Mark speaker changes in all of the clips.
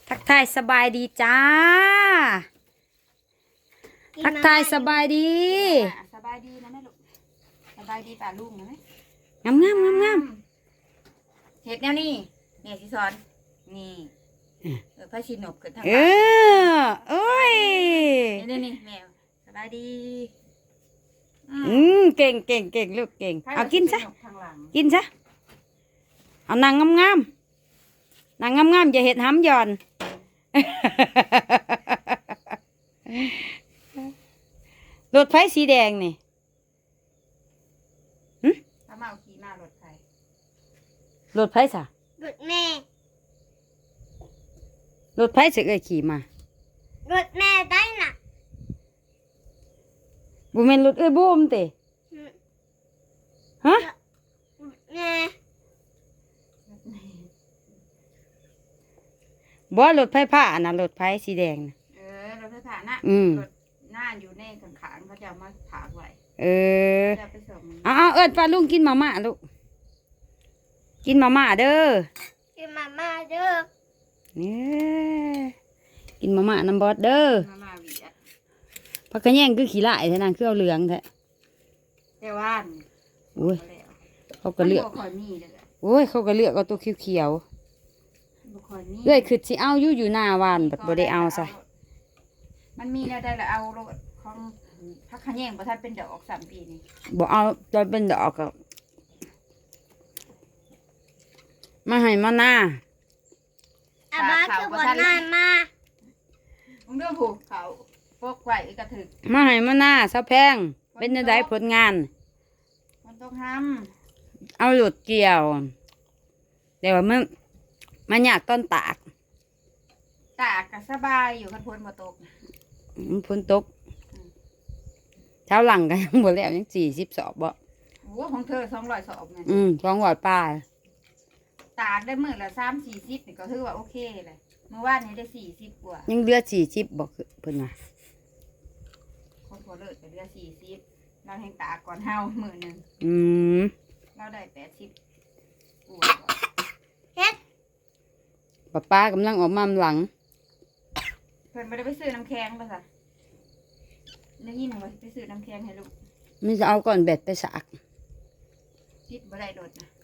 Speaker 1: ทักทายสบายดีจ้าทักทายสบายดี
Speaker 2: สบายดีนะแม่ลูกสบายดีป่าลุงนะไหม
Speaker 1: งามงามงามงาม
Speaker 2: เห็ดแนวนี่แม่สิสอนนี่พระชินกเกิดทาง
Speaker 1: โอ้ย
Speaker 2: นี่แมวสบายดี
Speaker 1: เก่งเก่งเก่งลูกเก่งเอากินซะกินซะเอานางงามงามนางงามงามอย่าเห็ดห้ำหย่อนรถไฟสีแดงนี่
Speaker 2: ถ้ามาเอาขี่มารถไฟ
Speaker 1: รถไฟสะ
Speaker 3: รถแม่
Speaker 1: รถไฟสิเอ้ยขี่ม
Speaker 3: ารถแม่ได้น่ะ
Speaker 1: บุแม่นรถเอ้ยบูมเตะฮะ
Speaker 3: แม่
Speaker 1: บ่รถไฟผ้าน่ะรถไฟสีแดงน่ะ
Speaker 2: รถไฟผ่านน่ะรถหน้าอยู่ในขางๆเขาจะมาถากไว้จะไปส่ง
Speaker 1: เอาเอิ้นป้าลุงกินมาม่าลูกกินมาม่าเด้อ
Speaker 3: กินมาม่าเด้อ
Speaker 1: เนี่ยกินมาม่าน้ำบอสเด้อ
Speaker 2: มาม่าวีอ่ะ
Speaker 1: พักกระแยงคือขี้ลายแท้นางคือเอาเหลืองแท้
Speaker 2: แต่ว่า
Speaker 1: โอ้ยเขาก็เลือกโอ้ยเขาก็เลือกเอาตัวเขียวๆเอ้ยคือสิเอาอยู่หน้าวานบ่ได้เอาซะ
Speaker 2: มันมีแล้วได้ละเอารถของพักขะแยงบ่ทันเป็นดอก3 ปีนี่
Speaker 1: บ่เอาตอนเป็นดอกก็มาให้มาหน้า
Speaker 3: อาบ้าคือบ่นานมา
Speaker 2: มึงเรื่องผูกเขาพวกไว้กระถึก
Speaker 1: มาให้มาหน้าซะแพงเป็นจังไดผลงาน
Speaker 2: มันต้องท
Speaker 1: ำเอาหลุดเกี่ยวแต่ว่ามันยากต้นตาก
Speaker 2: ก็สบายอยู่คันพ้นบ่ตก
Speaker 1: ฝนตกเช้าหลังกันหมดแล้วยัง40 สอบบ่
Speaker 2: โอ้ของเธอ200 สอบไง
Speaker 1: 200 ป้าย
Speaker 2: ตากได้มื้อละ30-40นี่ก็ถือว่าโอเคเลยเมื่อวานนี้ได้40กว่า
Speaker 1: ยังเหลือ40บ่เพิ่นว่า
Speaker 2: ของพอเลิศก็เหลือ40เราแห่งตากก่อนเฮามื้อนึงเราได้80กว่า
Speaker 3: เฮ็ด
Speaker 1: ป้ากำลังออกมาหลัง
Speaker 2: เพิ่นบ่ได้ไปซื้อน้ำแข็งป่ะซะได้ยินว่าไปซื้อน้ำแข็งให้ลูก
Speaker 1: มันจะเอาก่อนแบตไปสาก
Speaker 2: คิดบ่ได้โดดนะ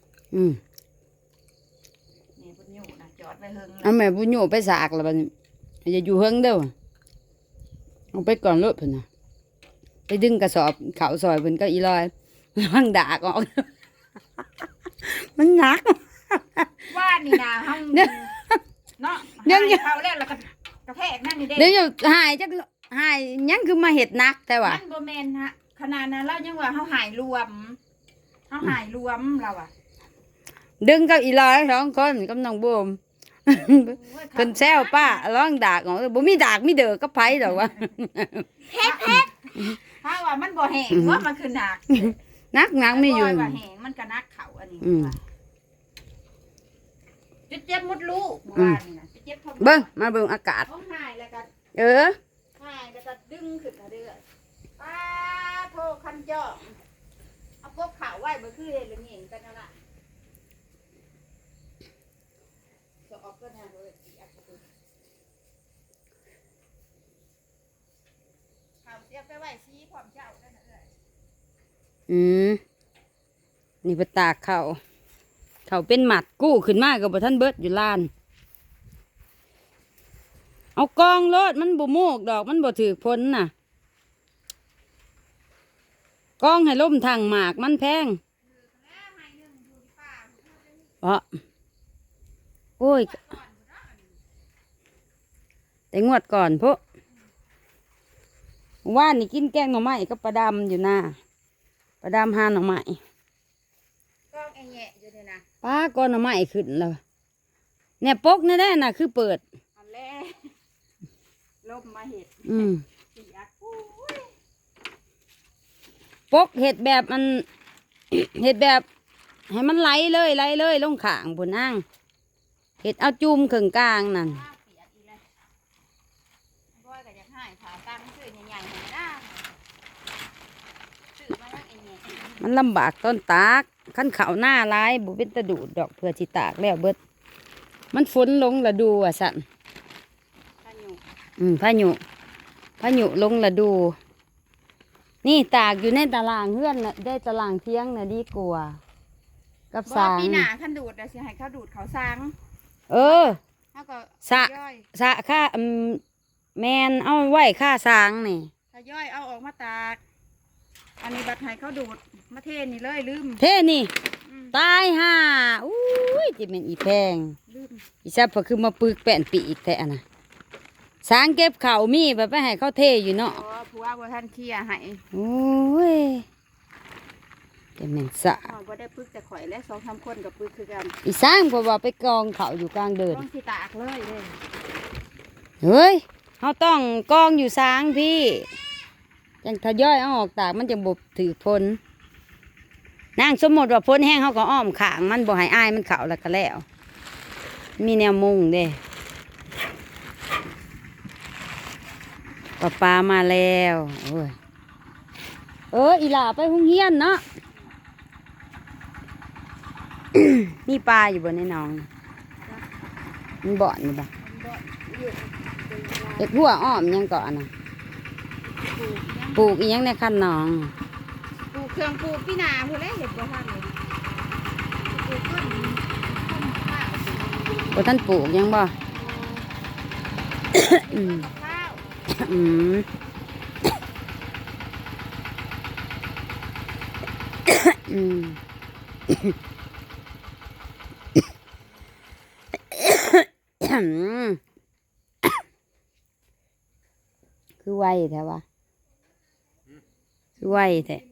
Speaker 2: นี่บุญอยู่นะจอดไว้เฮิง
Speaker 1: เอาแม่บุญอยู่ไปสากแล้วบัดนี้อย่าอยู่เฮิงเด้อเอาไปก่อนรถเพิ่นน่ะไปดึงกระสอบเขาซอยเพิ่นก็อีลอยระวังดากออกมันหนัก
Speaker 2: ว่านี่นะเฮาเนาะยังเขาแล้วก็กระแทกนั่นนี่เด้
Speaker 1: เดี๋ยวหายจักหายยังคือมาเฮ็ดนักแต่ว่า
Speaker 2: มันบ่แม่นฮะขนาดนั้นเรายังว่าเฮาหายรวมเราอ่ะ
Speaker 1: ดึงกับอีลอย2 คนกับน้องบูมเพิ่นแซวป้าร้องดากออกบ่มีดากมีเด้อกับไผดอกว่า
Speaker 3: เฮ็ด
Speaker 2: ถ้าว่ามันบ่แห้งว่ามันคือหนัก
Speaker 1: นักมีอยู่
Speaker 2: ว่าแห้งมันก็นักเขาอันนี้เจ็บมดลูกว่านี่นะเจ็บท้อง
Speaker 1: เบิ่งมาเบิ่งอากาศ
Speaker 2: ท้องหายแล้วก็หายแล้วก็ดึงขึ้นเรื่อยป้าโทคันจ่อเอาพวกข่าวไว้บ่คือเฮ็ดละเงี้ยกันนั่นล่ะจะออกก็ทางเลยข่าวเสียไปไว้ชี้พร้อมเจ้านั่นน่ะ
Speaker 1: นี่ไปตากเขาเป็นหมัดกู้ขึ้นมากับบ่ท่านเบิดอยู่ลานเอากองรถมันบ่โมกดอกมันบ่ถือพ้นน่ะกองให้ล่มทางหมากมันแพงโอ้ยแต่งวดก่อนพวกว่านนี่กินแกงหน่อไม้ก็ประดำอยู่นะประดำหาหน่อไม้ป้าก้อนหน่อไม้ขึ้นแล้วเนี่ยปกนี่แน่น่ะคือเปิด
Speaker 2: อันแรกลมมาเห็ด
Speaker 1: ปกเห็ดแบบมันเห็ดแบบให้มันไหลเลยลงข้างบนนั่งเห็ดเอาจุ่มขึงกลางนั่นมันลำบากต้นตากขั้นเขาหน้าร้ายบุเป็นตะดูดดอกเพื่อจิตากแล้วเบิดมันฝนลงละดูอ่ะสันพายุลงละดู นี่ตากอยู่ในตารางเฮือนน่ะได้ตารางเที่ยงน่ะดีกว่ากับ
Speaker 2: บ่
Speaker 1: สาง
Speaker 2: ปีหน้าคันดูดน่ะสิให้เขาดูดเขาสัง
Speaker 1: เออ
Speaker 2: เฮาก็
Speaker 1: สะ
Speaker 2: ย่อย
Speaker 1: สะค่าแมนเอาไว้ค่าสางนี่
Speaker 2: ถ้าย่อยเอาออกมาตากอันนี้บัดให้เขาดูดมาเทนี่เลยลืม
Speaker 1: เท่นี่
Speaker 2: อืม
Speaker 1: ตายห่าอุ้ยจิเป็นอีแพง
Speaker 2: ลืม
Speaker 1: อีซับก็คือมาปึกแป้นปีอีกแต่อันน่ะสางเก็บข้าวมีแบบไปให้เขาเทอยู่เนาะ
Speaker 2: อ๋อผัวบ่ทันเคลียร์ให้
Speaker 1: โอ้ยจะเป็นสะ
Speaker 2: อ๋อบ่ได้ปึกแต่ข่อยและ2-3คนกับปึกคือกัน
Speaker 1: อีสร้างเพราะว่าไปกองเขาอยู่กลางเดิน
Speaker 2: ต้องสิตากเลยเด้
Speaker 1: เฮ้ยเขาต้องกองอยู่สางพี่จังทยอยเอาออกตากมันจะบบถือพ้นนางสมมติว่าพ้นแห้งเขาก็อ้อมขางมันบ่ให้อายมันเขาแล้วก็แล้ว มีแนวมุงเด้ปลามาแล้วโอ้ยอีหล่าไปหุงเฮียนเนาะ มีปลาอยู่บนในหนองมันบ่อนอยู่บ่เด็กหัวอ้อมยังก่อนนะปลูกอีหยังในคันหนอง
Speaker 2: ปลูกเครื่องปลูกพี่นาพุ่นแหละเฮ็ดบ่ทันเลยปลูกต้นข้าว
Speaker 1: บ่ท่านปลูกยังบ่ อืม
Speaker 2: ข้าว
Speaker 1: อืม อืม คือไวแท้วะคือไวแท้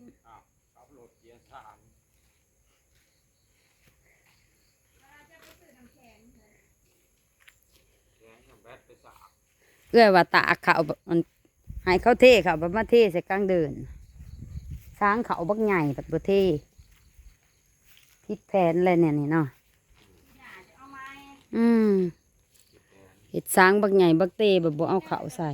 Speaker 1: เอื้อยว่าตากเขาแบบมันให้เขาเทเขาแบบมาเทใส่กลางเดินช้างเขาบักใหญ่แบบบ่เทพิดแผนอะไรเนี่ยนี่เนาะ
Speaker 2: เอาไม้
Speaker 1: เห็ดช้างบักใหญ่บักเตแบบบ่เอาเขาใส่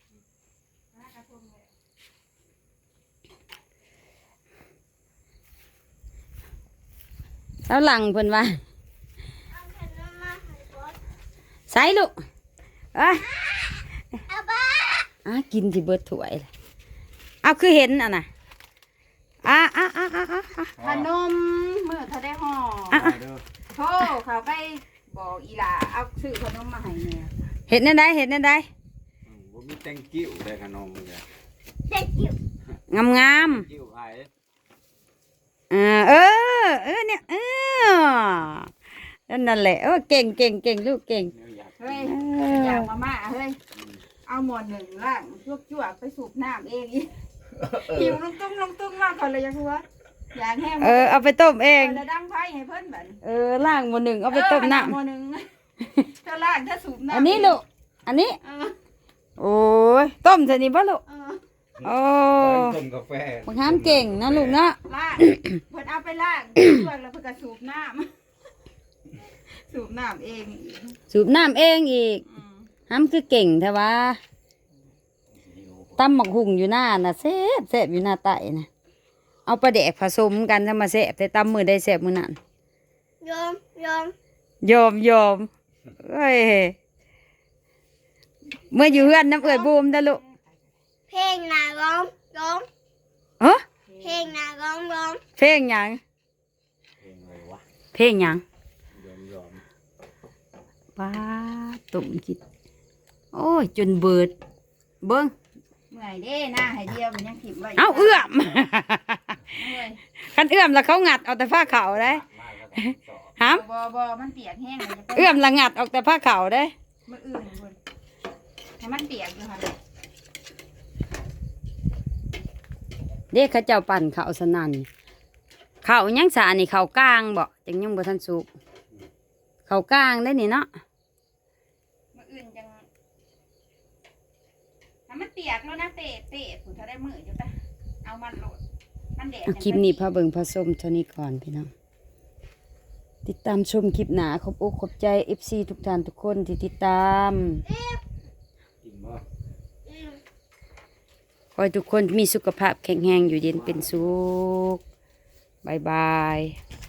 Speaker 1: เช้าหลังเพิ่นว่า
Speaker 3: เอาขนมมาให้บอส
Speaker 1: ใส่ลูกเอ้ย
Speaker 3: อาบ้า
Speaker 1: กินที่เบิดถ้วยเลยเอาคือเห็นอ่ะนะอ่ะ
Speaker 2: ขนมมื้อถ้าได้ห่อ โทรเขาไปบอกอีหล่าเอาซื้อขนมมาให้แม่
Speaker 1: เห็นนั่นได้เห็นนั่นได้
Speaker 4: บ่มีแตงกิ้วได้ขนมเลย
Speaker 3: เด็กจิ๋ว
Speaker 1: งาม
Speaker 4: กิ้วไผ
Speaker 1: เนี่ยนั่นแหละเก่งลูกเก่ง
Speaker 4: เนี่ยอยาก
Speaker 2: เฮ้ยอยากมาม่าเฮ้ยเอาหม้อหนึ่งล่างจวกๆไปสูบน้ำเองอีหิวลงตุ้งมากก่อนเลยยังว่าอยากแห้ง
Speaker 1: เอาไปต้มเอง
Speaker 2: แล้วดังไฟให้เพิ่นบัด
Speaker 1: ล่างหมดหนึ่งเอาไปต้มน้
Speaker 2: หม้อหนึ่งถ้าล่างถ้าสูบ
Speaker 1: ำ
Speaker 2: น้ำ
Speaker 1: อันนี้ลูกอันนี้
Speaker 2: เออ
Speaker 1: โอ้ยต้มใส่นี่ป่ะลูก
Speaker 2: เออ
Speaker 1: โอ้
Speaker 4: ต้มกาแฟ
Speaker 1: บังคับเก่งนะลูกนะ
Speaker 2: ล่างเพิ่นเอาไปล่างจวกแล้วเพิ่นก็สูบน้ำสูบน้ำเอง
Speaker 1: สูบน้ำเองอีก
Speaker 2: อืม
Speaker 1: ห้ำคือเก่งแท้วะตำหมักหุ่งอยู่หน้าน่ะแซ่บอยู่หน้าไต่นะเอาปลาแดกผสมกันทำมาแซ่บแต่ตำมือได้แซ่บมือนั่น
Speaker 3: ยอม
Speaker 1: ยอมเอ้ยเมื่ออยู่เฮือนน้ำเอิดบูมนะลูก
Speaker 3: เพลงนาร้อง
Speaker 1: เอ้อ
Speaker 3: เพลงนาร้อง
Speaker 1: เพลงหยัง
Speaker 4: เองเลยวะ
Speaker 1: เพลงหยัง
Speaker 4: ยอม
Speaker 1: ป้าตุ่มคิดโอ้ยจนเบิดเบิ้ง
Speaker 2: เมื่อยเด้หน้าให้เดียวมันยังขิบไว้
Speaker 1: เอาเอื้อม
Speaker 2: เมื่อย
Speaker 1: คันเอื้อมแล้วเขางัดเอาแต่ผ้าขาวได้
Speaker 4: มากแล้วก็สอบ
Speaker 1: ห้
Speaker 2: บ่มันเปียกแห้งเลยจะ
Speaker 1: ำเอื้อมละงัดออกแต่ผ้าขาวได้
Speaker 2: มื้ออื่นพุ่นให้มันเปียกอยู่หั่น
Speaker 1: เด็กเขาเจ้าปั่นเขาวสนั่นเขาวยังสานี่เขาวกลางบ่จังยังบ่ทันสุกเขาวกลางได้นี่เนาะ
Speaker 2: มื้ออื่นจังให้มันเปียกแล้วนะเตะพุ่นถ้าได้มื้ออยู่ปะเอามันโหลดมันแดด
Speaker 1: คลิปนี้พาเบิ่งพาชมเท่านี้ก่อนพี่น้องติดตามชมคลิปหนาขอบอกขอบใจ FC ทุกท่านทุกคนที่ติดตาม
Speaker 4: กินบ่
Speaker 1: ขอให้ทุกคนมีสุขภาพแข็งแรงอยู่เย็นเป็นสุขบายบาย